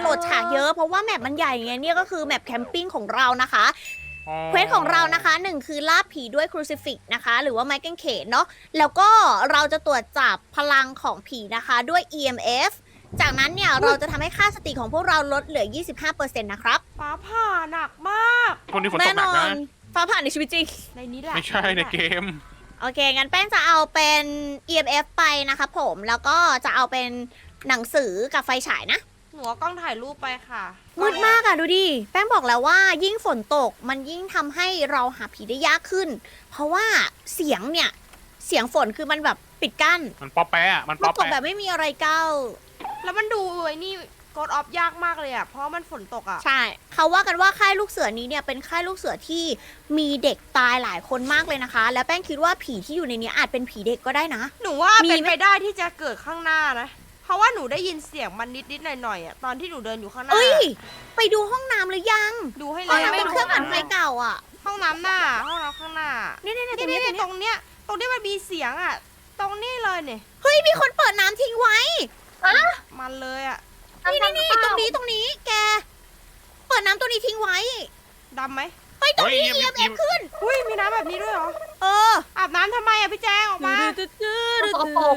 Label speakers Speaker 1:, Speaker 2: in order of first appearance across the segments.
Speaker 1: ดฉากเยอะเพราะว่าแมปมันใหญ่ไงเนี่ยก็คือแมปแคมปิ้งของเรานะคะ
Speaker 2: อ๋อ
Speaker 1: เควสของเรานะคะหนึ่งคือล่าผีด้วยครูซิฟิกนะคะ หรือว่าไม้กางเขนเนาะแล้วก็เราจะตรวจจับพลังของผีนะคะด้วย EMF จากนั้นเนี่ยเราจะทำให้ค่าสติของพวกเราลดเหลือ 25%นะครับ
Speaker 3: ฟ้าผ่าหนักมาก
Speaker 2: คนนี้ฝนต
Speaker 1: แน่
Speaker 2: กห
Speaker 1: น
Speaker 2: นัก
Speaker 1: อ
Speaker 2: นะ
Speaker 1: นฟ้าผ่านในชีวิตจริง
Speaker 3: ในนี้แหละ
Speaker 2: ไม่ใช่ในเกม
Speaker 1: โอเค งั้นแป้งจะเอาเป็น EMF ไปนะคะผม แล้วก็จะเอาเป็นหนังสือกับไฟฉายนะ
Speaker 3: หนูเอากล้องถ่ายรูปไปค่ะ
Speaker 1: มืดมากอะดูดิ แป้งบอกแล้วว่ายิ่งฝนตกมันยิ่งทำให้เราหาผีได้ยากขึ้น เพราะว่าเสียงเนี่ย เสียงฝนคือมันแบบปิดกั้น
Speaker 2: มันป๊อปแปะอะมัน
Speaker 1: มั
Speaker 2: ป๊
Speaker 1: น
Speaker 2: อป
Speaker 1: ตกแบ
Speaker 2: แปะ
Speaker 1: บไม่มีอะไรเก้า
Speaker 3: แล้วมันดูไอ้นี่กดออฟยากมากเลยอ่ะ เพราะมันฝนตกอ่ะ
Speaker 1: ใช่ เขาว่ากันว่าค่ายลูกเสือนี้เนี่ยเป็นค่ายลูกเสือที่มีเด็กตายหลายคนมากเลยนะคะ และแป้งคิดว่าผีที่อยู่ในนี้อาจเป็นผีเด็กก็ได้นะ
Speaker 3: หนูว่า
Speaker 1: มี
Speaker 3: เป็น
Speaker 1: ไหม
Speaker 3: ไปได้ที่จะเกิดข้างหน้านะ เพราะว่าหนูได้ยินเสียงมันนิดๆหน่อยๆอ่ะ ตอนที่หนูเดินอยู่ข้างหน้า
Speaker 1: เอ้ย ไปดูห้องน้ำหรือยัง
Speaker 3: ดูให้
Speaker 1: ห้อง
Speaker 3: แล้ว
Speaker 1: น้ำเป็นเครื่องอัดไฟเก่าอ่ะ
Speaker 3: ห้องน้ำหน้า ห้องน้ำข้างหน้า
Speaker 1: เนี่ยเนี่ยตรง
Speaker 3: นี่
Speaker 1: นี้
Speaker 3: ตรงเนี้ย ตรงที่มันมีเสียงอ่ะ ตรงนี้เลยเนี่ย
Speaker 1: เฮ้ย มีคนเปิดน้ำทิ้งไว้
Speaker 3: มันเลยอ่ะ
Speaker 1: นี่ตรงนี้แก เปิดน้ำตัวนี้ทิ้งไว้
Speaker 3: ดำไหม
Speaker 1: เฮ้ยตรงนี้
Speaker 2: เฮ้ย
Speaker 1: EMF ขึ้น
Speaker 3: อุ้ยมีน้ำแบบนี้ด้วยเหรอ
Speaker 1: เออ
Speaker 3: อาบน้ำทำไมอ่ะพี่แจงออกมา
Speaker 4: สกปรก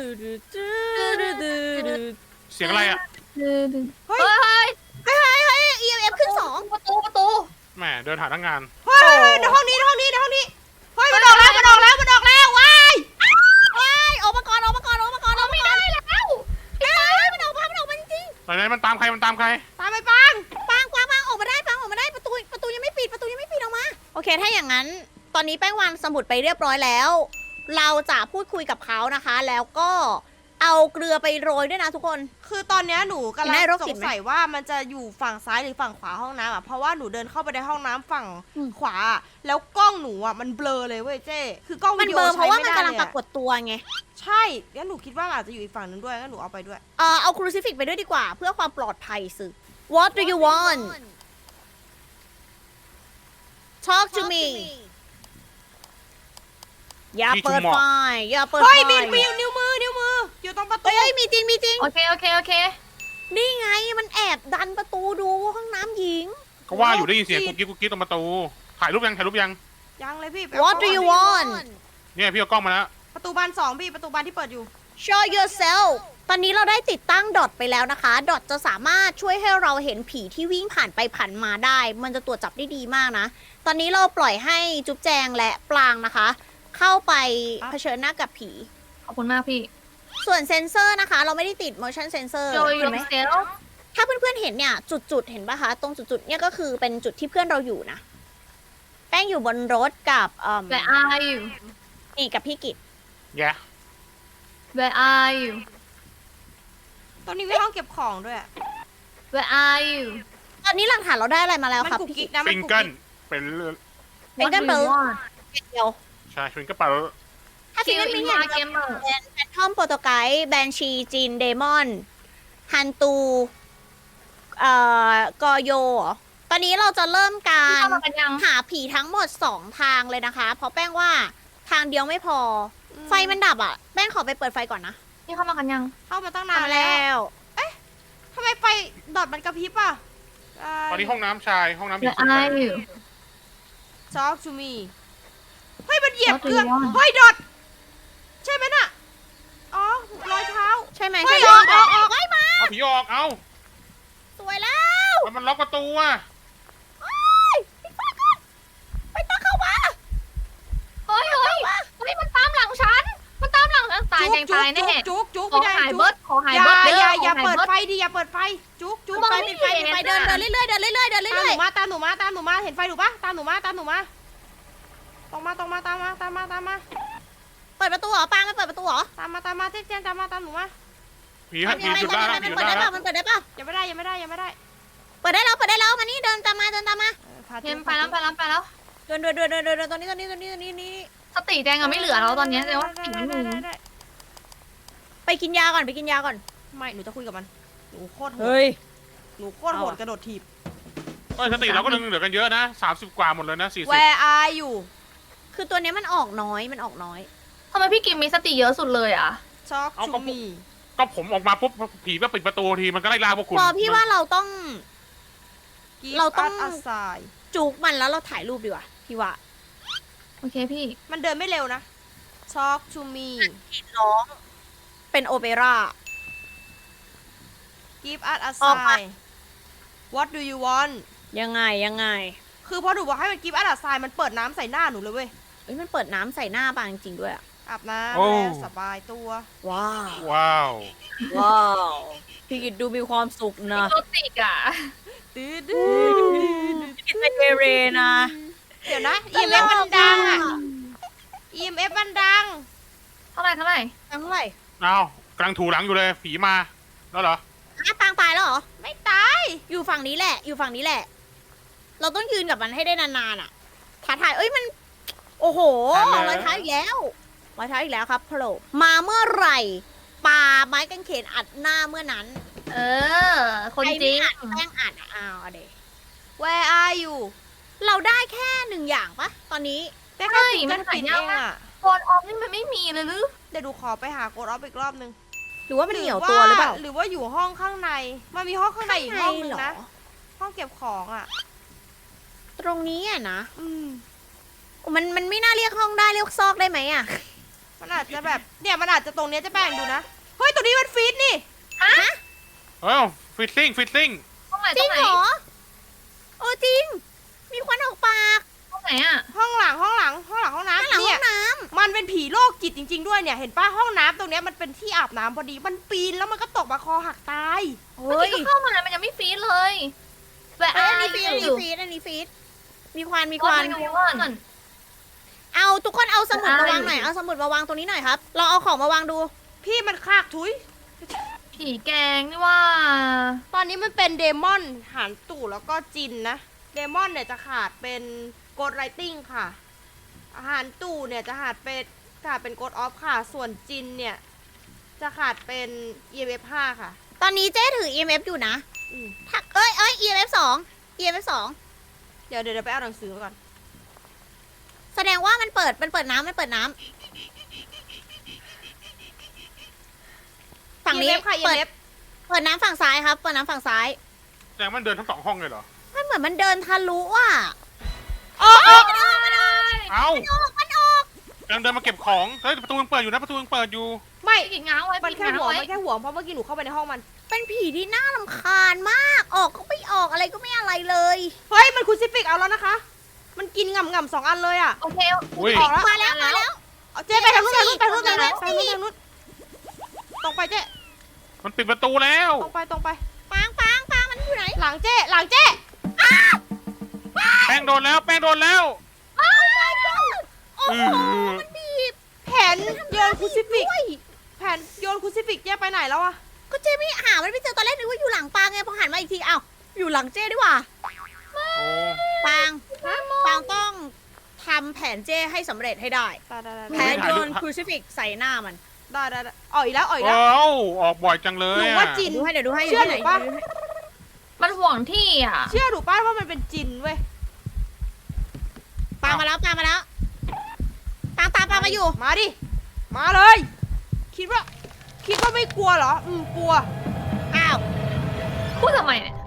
Speaker 2: เสียงอะไรอะ
Speaker 3: เฮ้ย
Speaker 4: เฮ้ย
Speaker 1: EMF ขึ้นสอง
Speaker 4: ประตู
Speaker 2: แหมเดินหาทั้งงาน
Speaker 3: เฮ้ยในห้องนี้ในห้องนี้ในห้องนี้ เฮ้ยมันออกแล้วมันออกแล้วมันออกแล้วว้าย
Speaker 1: เฮ้ยออกมาก่อนออกมาก่อนออกมาก่อนออกมาก่อน
Speaker 4: ได้แล้ว
Speaker 1: เฮ้ยมันออกมาจริง
Speaker 2: ไหนๆมันตามใครมันตามใคร
Speaker 3: ตามไปปัง
Speaker 1: ๆปังออกมาได้ประตูยังไม่ปิดออกมา โอเค ถ้าอย่างนั้น ตอนนี้แป้งวางสมุดไปเรียบร้อยแล้ว เราจะพูดคุยกับเขานะคะ แล้วก็เอาเกลือไปโรยด้วยนะทุกคน
Speaker 3: คือตอนเนี้ยหนูกำลัง
Speaker 1: ได้โรค
Speaker 3: ส
Speaker 1: จิต
Speaker 3: ง
Speaker 1: ไหม
Speaker 3: สัยว่ามันจะอยู่ฝั่งซ้ายหรือฝั่งขวาห้องน้ำอ่ะ เพราะว่าหนูเดินเข้าไปในห้องน้ำฝั่ง
Speaker 1: อืม
Speaker 3: ขวาอะแล้วกล้องหนูอ่ะมันเบลอเลยเว้ยเจ้คือกล้อง
Speaker 1: มั
Speaker 3: วิ
Speaker 1: น
Speaker 3: ดี
Speaker 1: เบ
Speaker 3: โอ
Speaker 1: ลอร์เพ
Speaker 3: ใช้
Speaker 1: ราะว่า
Speaker 3: ไม่
Speaker 1: มัน
Speaker 3: ได้
Speaker 1: กำลัง
Speaker 3: เลย
Speaker 1: ปรา
Speaker 3: อะ
Speaker 1: กฏตัวไง
Speaker 3: ใช่งั้นหนูคิดว่ามันอาจจะอยู่อีกฝั่งนึงด้วยงั้นหนูเอาไปด้วย
Speaker 1: เอาครูซิฟิกไปด้วยดีกว่า เพื่อความปลอดภัยสิ What do you want Talk to me อย่าเปิดไฟอย่าเปิดไฟ
Speaker 3: เฮ้ยมีนิ้วมืออยู่ตรงประตู
Speaker 1: เฮ้ยมีจริง
Speaker 4: โอเค
Speaker 1: นี่ไงมันแอบดันประตูดูห้องน้ำหญิง
Speaker 2: ก็ว่าอยู่ได้ยินเสียงกุ๊กกิ๊กตรงประตู ถ่ายรูปยัง
Speaker 3: ยังเลยพี่ไป
Speaker 1: What do
Speaker 3: เอา
Speaker 1: you
Speaker 3: กล้อง
Speaker 1: want
Speaker 2: เนี่ยพี่เอากล้องมาแล้ว
Speaker 3: ประตูบานสองพี่ประตูบานที่เปิดอยู่
Speaker 1: Show yourself ตอนนี้เราได้ติดตั้งดอทไปแล้วนะคะ ดอทจะสามารถช่วยให้เราเห็นผีที่วิ่งผ่านไปผ่านมาได้ มันจะตรวจจับได้ดีมากนะ ตอนนี้เราปล่อยให้จุ๊บแจงและปลางนะคะ เข้าไปเผชิญหน้ากับผี
Speaker 4: ขอบคุณมากพี่
Speaker 1: ส่วนเซนเซอร์นะคะ เราไม่ได้ติด motion sensor
Speaker 4: Show
Speaker 1: เห็นไหม
Speaker 4: yourself
Speaker 1: ถ้าเพื่อนๆเห็นเนี่ย จุดๆเห็นปะคะ ตรงจุดๆเนี่ยก็คือเป็นจุดที่เพื่อนเราอยู่นะ แป้งอยู่บนรถกับ
Speaker 4: Where are you
Speaker 1: นี่กับพี่กิต
Speaker 2: แย่
Speaker 4: Where are you
Speaker 3: ตรงนี้มีห้องเก็บของด้วยอะ
Speaker 4: Where are you
Speaker 1: ตอนนี้หลักฐานเราได้อะไรมาแล้ว
Speaker 3: มัน
Speaker 1: ครับ
Speaker 3: กุก
Speaker 1: พี่
Speaker 3: กิ๊
Speaker 1: กิ
Speaker 3: ก
Speaker 1: ต
Speaker 3: นะมั
Speaker 2: ฟิ
Speaker 3: น
Speaker 2: ง
Speaker 3: กุก
Speaker 2: เกิล
Speaker 3: กิ๊ก
Speaker 2: เป็น
Speaker 1: เป็นกันเบล เดียว
Speaker 2: ใช่ฟิงเกิลเปล่า
Speaker 1: ถ้าฟิงเกิล
Speaker 4: Kill
Speaker 1: มิ
Speaker 4: in
Speaker 1: เนี่ย
Speaker 4: my gamer
Speaker 1: เป็นแฟนทอมโปรโตไกด์แบนชีจีนเดมอนฮันตูกอโยเหรอตอนนี้เราจะเริ่มการ
Speaker 4: เข้ามากันยัง
Speaker 1: หาผีทั้งหมด 2 ทางเลยนะคะ เพราะแป้งว่าทางเดียวไม่พอ ไฟมันดับอ่ะ แป้งขอไปเปิดไฟก่อนนะ
Speaker 4: นี่เข้ามากันยัง
Speaker 3: เข้ามาตั้งนาน
Speaker 1: ทำ
Speaker 3: แล้ว
Speaker 1: แล้ว
Speaker 3: ทำไมไฟดอดมันกระพริบอ่ะ
Speaker 2: ตอนนี้ห้องน้ำชายห้องน้ำหญิง
Speaker 4: Where are you
Speaker 3: Talk to me เฮ้ยมันเหยียบ
Speaker 4: What do
Speaker 3: เกลือ
Speaker 4: you want?
Speaker 3: เฮ้ยดอดใช่ไหมน่ะ อ๋อรอยเท้า
Speaker 1: ใช่ไหม
Speaker 3: เฮ้
Speaker 1: ใช่
Speaker 3: ย
Speaker 1: ไหม
Speaker 3: ออก
Speaker 1: ไว้มา
Speaker 2: เอาผีออกเอา
Speaker 1: สวยแล้ว
Speaker 2: มันล็อกประตูอ่ะ
Speaker 1: เฮ้ยปิดไฟก่อนไปตั้งเข้ามา
Speaker 4: เฮ้ยมันตามหลังฉัน มันตามหลังฉันตายแจงตายแน่
Speaker 3: จุกจุก
Speaker 4: ขอ
Speaker 3: ไม่ได้
Speaker 4: หาย
Speaker 3: จุ
Speaker 4: เบิ
Speaker 3: ก
Speaker 4: ร์ดขอหาย
Speaker 3: อย่า
Speaker 4: เบิร์ด
Speaker 3: อย่า
Speaker 4: ข
Speaker 3: อย่า
Speaker 4: ห
Speaker 3: เปิด
Speaker 4: บิร์
Speaker 3: ไฟดิอย่าเปิดไฟ จุกจุก
Speaker 4: มอง
Speaker 1: ไป
Speaker 4: ไม่
Speaker 1: ปิดไฟ
Speaker 4: เห็น
Speaker 1: ปิดไฟ
Speaker 4: อะ
Speaker 1: เดินเรื่อยๆเดินเรื่อยๆเดิน
Speaker 3: ตาม
Speaker 1: เรื่
Speaker 3: ห
Speaker 1: อย
Speaker 3: นูมาตามหนูมาตามหนูมาเห็นไฟหนูปะตามหนูมาตามหนูมาตรงมาตามมาตามมา
Speaker 1: ๆเปิดประตูเหรอปางมันเปิดประตูเหรอ
Speaker 3: ตามมาเจ๊ตามมาตามหนูมา
Speaker 2: ผีฮะผี
Speaker 1: มัน
Speaker 2: หยุดได้แล้ว
Speaker 1: มัน
Speaker 2: หยุด
Speaker 1: เปิด
Speaker 2: ได้
Speaker 1: ได้
Speaker 2: แล้
Speaker 1: เปล่าว มันเปิดได้เปล่า
Speaker 3: ยังไม่ได้
Speaker 1: เปิดได้แล้วมานี่เดินตามมา
Speaker 4: เห็นไปแล้ว
Speaker 1: เดินตรงนี้
Speaker 4: สติแจงอะไม่เหลือแล้วตอนเนี้ยแจงว่าผีไม่มี
Speaker 1: ไปกินยาก่อน
Speaker 3: ไม่หนูจะคุยกับมันหนูโคตรโหด
Speaker 1: เฮ้ย
Speaker 3: หนูโคตรโหดกระโดดถีบ
Speaker 2: เอ้ยสติเราก็เหลือกันเยอะนะ30 กว่าหมดเลยนะ40
Speaker 3: Where are you
Speaker 1: คือตัวเนี้ยมันออกน้อย
Speaker 4: ทำไมพี่กิมมีสติเยอะสุดเลยอ่ะ
Speaker 3: Talk
Speaker 2: เอา
Speaker 3: to
Speaker 2: ก็
Speaker 3: me
Speaker 2: ก็ก็ผมออกมาปุ๊บผีก็ปิดประตูทีมันก็ไล่ล่าพวกคุณ
Speaker 1: พอพี่ว่าเราต้อง
Speaker 3: Give
Speaker 1: เราต้อง
Speaker 3: us a sign
Speaker 1: จุกมันแล้วเราถ่ายรูปดีกว่าพี่ว่า
Speaker 4: โอเคพี่
Speaker 3: มันเดินไม่เร็วนะ Talk to me
Speaker 1: ร้องเป็นโอเปร่า
Speaker 3: Give us a
Speaker 1: ออกมา
Speaker 3: sign What do you want
Speaker 1: ยังไง
Speaker 3: คือพอหนูบอกให้มัน Give us a sign มันเปิดน้ำใส่หน้าหนูเลยเว้ย
Speaker 1: เอ้ยมันเปิดน้ำใส่หน้าปางจริงๆด้วยอะ
Speaker 3: อาบน้ำแล้วสบายตัว
Speaker 1: ว้าว
Speaker 2: ว้าว
Speaker 1: ว้าวพี่กิตดูมีความสุขนะ
Speaker 4: โรติกอ่ะ
Speaker 3: ดื้อ
Speaker 1: พี่กิตเป็นเรนะ
Speaker 3: เดี๋ยวนะ EMF มันดังอ่ะ EMF มันดัง
Speaker 4: เท่าไหร่
Speaker 1: เท่าไหร่
Speaker 2: เอากำลังถูหลังอยู่เลยผีมาแล้วเหรอ
Speaker 1: ปางตายแล้วเหรอ
Speaker 3: ไม่ตาย
Speaker 1: อยู่ฝั่งนี้แหละ อยู่ฝั่งนี้แหละ เราต้องยืนกับมันให้ได้นานๆอ่ะท้าทายเอ้ยมัน โอ้โหรอยเท้าอีกแล้วรอยเท้าอีกแล้วครับโผล่มาเมื่อไหร่ปาไม้กางเขนอัดหน้าเมื่อนั้น
Speaker 4: เออ คนจริง
Speaker 1: ใคไม่อัดแป้งอัดอะอ้าวเอาเด
Speaker 3: Where are you
Speaker 1: เราได้แค่หนึ่งอย่างปะตอนนี้
Speaker 3: แต่แค่ปิดกันปิดเองอ่ะ
Speaker 4: โกนออฟนี่มันไม่มีเลยหรือ
Speaker 3: เดี๋ยวดูขอไปหาโกดออฟอีกรอบนึง
Speaker 1: หรือว่ามันเหนียวตัวหรือเปล่า
Speaker 3: หรือว่าอยู่ห้องข้างใน มันมีห้องข้างในอีกห้องนึง
Speaker 1: เหร
Speaker 3: นะ ห้องเก็บของอ่ะ
Speaker 1: ตรงนี้อ่ะนะ
Speaker 3: อืม
Speaker 1: มันไม่น่าเรียกห้องได้เรียกซอกได้ไหมอ่ะ
Speaker 3: มันอาจจะแบบเนี่ยมันอาจจะตรงเนี้ยจะแบ่งดูนะ เฮ้ยตัวนี้มันฟีดนี่
Speaker 2: เอ้าฟิตติ้ง
Speaker 4: ห้องไหน
Speaker 1: จ
Speaker 4: ต
Speaker 1: ริ
Speaker 4: รง งไหน
Speaker 1: เหรอโอ้จริง มีควันออกปาก
Speaker 4: ห้องไหนอ่ะ
Speaker 3: ห้องหลังห้องน้ำ
Speaker 1: ข้างหลังห้
Speaker 3: เนี่
Speaker 1: อย งน้
Speaker 3: มันเป็นผีโรคจิตจริง ๆด้วยเนี่ย เห็นป้าห้องน้ำตรงเนี้ยมันเป็นที่อาบน้ำพอดี มันปีนแล้วมันก็ตกมาคอหักตาย
Speaker 1: ำ
Speaker 4: เมื่อ
Speaker 1: เฮ้ย
Speaker 4: กี้ก็เข้ามามันยังไม่ฟีดเลยแวะ
Speaker 1: เอ้ย
Speaker 4: อา
Speaker 1: อันนี้ฟีดอัน
Speaker 4: อ
Speaker 1: นี้
Speaker 4: ยู่
Speaker 1: ฟีดอันนี้ฟีดมีควันมีค
Speaker 4: ก่อ
Speaker 1: วัน
Speaker 4: นก่อน
Speaker 1: เอาทุกคนเอาสมุด
Speaker 4: อ่าม
Speaker 1: มาวางหน่อย เอาสมุดมาวางตรงนี้หน่อยครับ เราเอาของมาวางดู
Speaker 3: พี่มันคากทุย
Speaker 4: ผีแกงนี่ว่า
Speaker 3: ตอนนี้มันเป็นเดมอนหานตู่แล้วก็จินนะ เดมอนเนี่ยจะขาดเป็นโกดไรติงค่ะอาหารตู่เนี่ยจะขาดเป็นโกดออฟค่ะ ส่วนจินเนี่ยจะขาดเป็น EMF 5 ค่ะ
Speaker 1: ตอนนี้เจ๊ถือ EMF อยู่นะ
Speaker 3: อืม
Speaker 1: ถ้าEMF 2 EMF 2
Speaker 3: เดี๋ยวไปเอาหนังสือมาก่อน
Speaker 1: แสดงว่ามันเปิดน้ำฝั่งนี้
Speaker 3: EMF ค่ะ
Speaker 1: เปิด
Speaker 3: EMF
Speaker 1: เปิดน้ำฝั่งซ้ายครับ เปิดน้ำฝั่งซ้าย
Speaker 2: แสดงมันเดินทั้งสองห้องเลยเหรอ
Speaker 1: มันเหมือนมันเดินทะลุอ่ะ
Speaker 3: ออก
Speaker 2: เอ้า
Speaker 1: มันออก
Speaker 2: กำลังเดินมาเก็บของ เฮ้ยประตูยังเปิดอยู่นะ ประตูยังเปิดอยู่
Speaker 3: ไม่
Speaker 4: พี่กินง้างไว้
Speaker 3: มัน
Speaker 4: พี่
Speaker 3: แค่
Speaker 4: ง้าง
Speaker 3: หัว
Speaker 4: ไว้
Speaker 3: มันแค่หัวเพราะเมื่อกี้หนูเข้าไปในห้องมัน
Speaker 1: เป็นผีที่น่ารำคาญมาก ออกก็ไม่ออกอะไรก็ไม่อะไรเลย
Speaker 3: เฮ้ยมันคูซิฟิกเอาแล้วนะคะ มันกินง่ำๆ2 อันเลยอ่ะ
Speaker 4: โอเค
Speaker 2: อุ้ย
Speaker 3: ออกแล้ว
Speaker 1: มาแล้วมาแล้ว
Speaker 3: เอาเจ๊ไปทางนู้นไปทางนู้นตรงไปเจ๊
Speaker 2: มันปิดประตูแล้ว
Speaker 3: ตรงไป
Speaker 1: ปางมันอยู่ไหน
Speaker 3: หลังเจ๊
Speaker 2: แป้งโดนแล้ว
Speaker 1: โอ้
Speaker 2: อื
Speaker 1: โห
Speaker 2: อ
Speaker 1: มันบีบ
Speaker 3: แผนโยนคูซิฟิก
Speaker 1: ด้วย
Speaker 3: แผนโยนคูซิฟิกเจ๊ไปไหนแล้วอะ
Speaker 1: ก็เจ๊ไม่หามันไม่เจอตอนแรกนึกว่าอยู่หลังปางไงพอหันมาอีกทีอ้าวอยู่หลังเจ๊ดีกว่า
Speaker 2: โอ้
Speaker 1: ปางต้องทำแผนเจ้ให้สำเร็จให้ได้ แผนโยนครูซิฟิกใส่หน้ามัน
Speaker 3: ได้ออกอีกแล้ว
Speaker 2: เอ้าออกบ่อยจังเลย
Speaker 3: หนู
Speaker 2: อะ
Speaker 3: ว่าจิน
Speaker 1: ดูให้เดี๋ยวดูให้
Speaker 3: เชื่อหนูปะ
Speaker 4: มันห่วงที่อ่ะ
Speaker 3: เชื่อหนูป้าว่ามันเป็นจินเว้ย
Speaker 1: ปางมาแล้วปางตามปางมาอยู่
Speaker 3: มาดิ มาเลย คิดว่าไม่กลัวเหรอ กลัว
Speaker 1: อ้าว
Speaker 4: พูดทำไมเนี่ย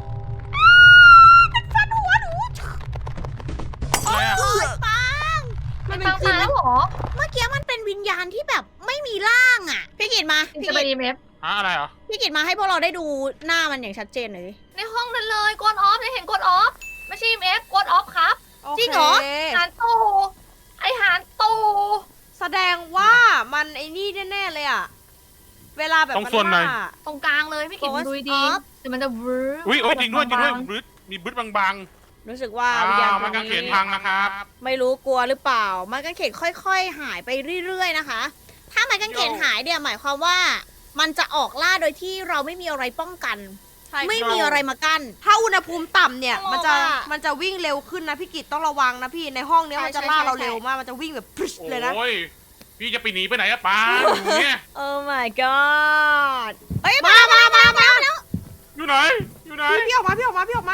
Speaker 3: ฟันหัวหนู
Speaker 2: อะไรอะ
Speaker 1: โอ๊ยปาง
Speaker 3: มันเป็
Speaker 4: ตาน ม
Speaker 3: จิ
Speaker 4: มาน แล้วเหรอ
Speaker 1: เมื่อกี้มันเป็นวิญญาณที่แบบไม่มีร่างอ่ะ พี่กิตมา
Speaker 4: จะไปดีเมฟ
Speaker 2: อะไรเหรอ
Speaker 1: พี่กิตมาให้พวกเราได้ดูหน้ามันอย่างชัดเจนหน่อยดิ
Speaker 4: ในห้องนั้นเลยกดออฟได้เห็นกดออฟไม่ใช่เอฟกดออฟครับ
Speaker 1: จริงเหรอ
Speaker 3: โค
Speaker 4: หารตู้ไอหารตู้
Speaker 3: แสดงว่ามันไอ้นี่แน่ๆเลยอะเวลาแบบ
Speaker 2: ตรงส่วนไหน
Speaker 3: ฆ่า
Speaker 4: ตรงกลางเลยพี่กินดูดีๆแต่มันจะวืบ
Speaker 2: อุ้ยจริงด้วยบึ้ดมีบึ้ดบาง
Speaker 1: รู้สึกว่า
Speaker 2: ๆ
Speaker 1: วิญญาณ
Speaker 2: มันกางเขนพังนะครับ
Speaker 1: ไม่รู้กลัวหรือเปล่า มันกางเขนค่อยๆ หายไปเรื่อยๆนะคะ ถ้ามันกางเขนหายเนี่ยหมายความว่า มันจะออกล่าโดยที่เราไม่มีอะไรป้องกัน
Speaker 3: ใช่
Speaker 1: ไม่มีอะไรมากั้น
Speaker 3: ถ้าอุณหภูมิต่ำเนี่ย
Speaker 1: เพราะ
Speaker 3: มันจะ
Speaker 1: ว่า
Speaker 3: มันจะวิ่งเร็วขึ้นนะพี่กิตต้องระวังนะพี่ในห้องเนี้ย
Speaker 1: ใช่
Speaker 3: มันจะ
Speaker 1: ใช่
Speaker 3: ล่าเรา
Speaker 1: ใช่
Speaker 3: เร็วมากมันจะวิ่งแบบพรึชเลยนะ
Speaker 2: โอ้ย พี่จะไปหนีไปไหนอะป้าอยู่เนี่ย
Speaker 1: โอ้ my god เอ้ย
Speaker 3: มา
Speaker 1: แล้ว
Speaker 2: อยู่ไหน อยู่ไหน
Speaker 3: พี่ออกมา
Speaker 2: ไม่ออก
Speaker 3: เอ
Speaker 2: มา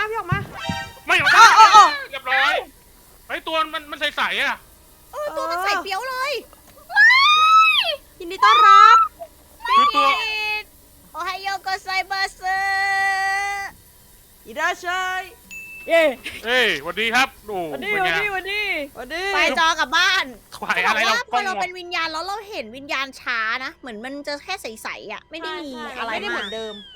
Speaker 3: อ
Speaker 2: เรียบร้อยไอ้ตัวมันใสๆอะ
Speaker 1: ตัวมันใส่เปียวเลย
Speaker 3: ยินดีต้อนรับ
Speaker 2: คือตัว
Speaker 1: เอ๊ไฮโยโกไซมาเซ
Speaker 3: อิราชัย
Speaker 1: เย้
Speaker 2: เอ้ยสวัสดีครับโอ้เป็นไง
Speaker 3: วันนี้
Speaker 1: ไปจอกลับบ้าน
Speaker 2: ขวาย
Speaker 1: จะบ
Speaker 2: อะ
Speaker 1: อก
Speaker 2: ไรเรา
Speaker 1: ว่าพ
Speaker 2: กล้
Speaker 1: อ
Speaker 2: อง
Speaker 1: เรา
Speaker 2: หมด
Speaker 1: เป็นวิญญาณแล้วเราเห็นวิญญาณช้านะ เหมือนมันจะแค่ใสๆอ่ะ ไม่ได้มีอะไร
Speaker 3: ไม่ได้เห
Speaker 1: มา
Speaker 3: มื
Speaker 1: ก
Speaker 3: อนเดิม